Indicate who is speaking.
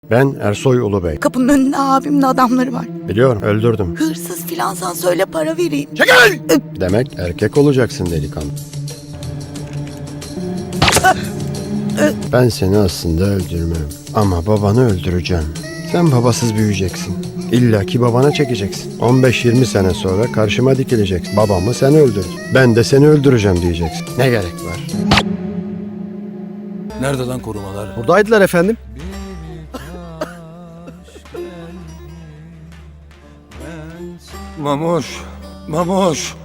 Speaker 1: Ben Ersoy Ulubey.
Speaker 2: Kapının önünde abimin adamları var.
Speaker 1: Biliyorum, öldürdüm.
Speaker 2: Hırsız filansan söyle para vereyim.
Speaker 1: Çekil! Demek erkek olacaksın delikanlı. Ben seni aslında öldürmem. Ama babanı öldüreceğim. Sen babasız büyüyeceksin. İlla ki babana çekeceksin. 15-20 sene sonra karşıma dikileceksin. Babamı sen öldürdün. Ben de seni öldüreceğim diyeceksin. Ne gerek var?
Speaker 3: Nerede lan korumalar?
Speaker 4: Buradaydılar efendim.
Speaker 3: Mamuş, Mamuş.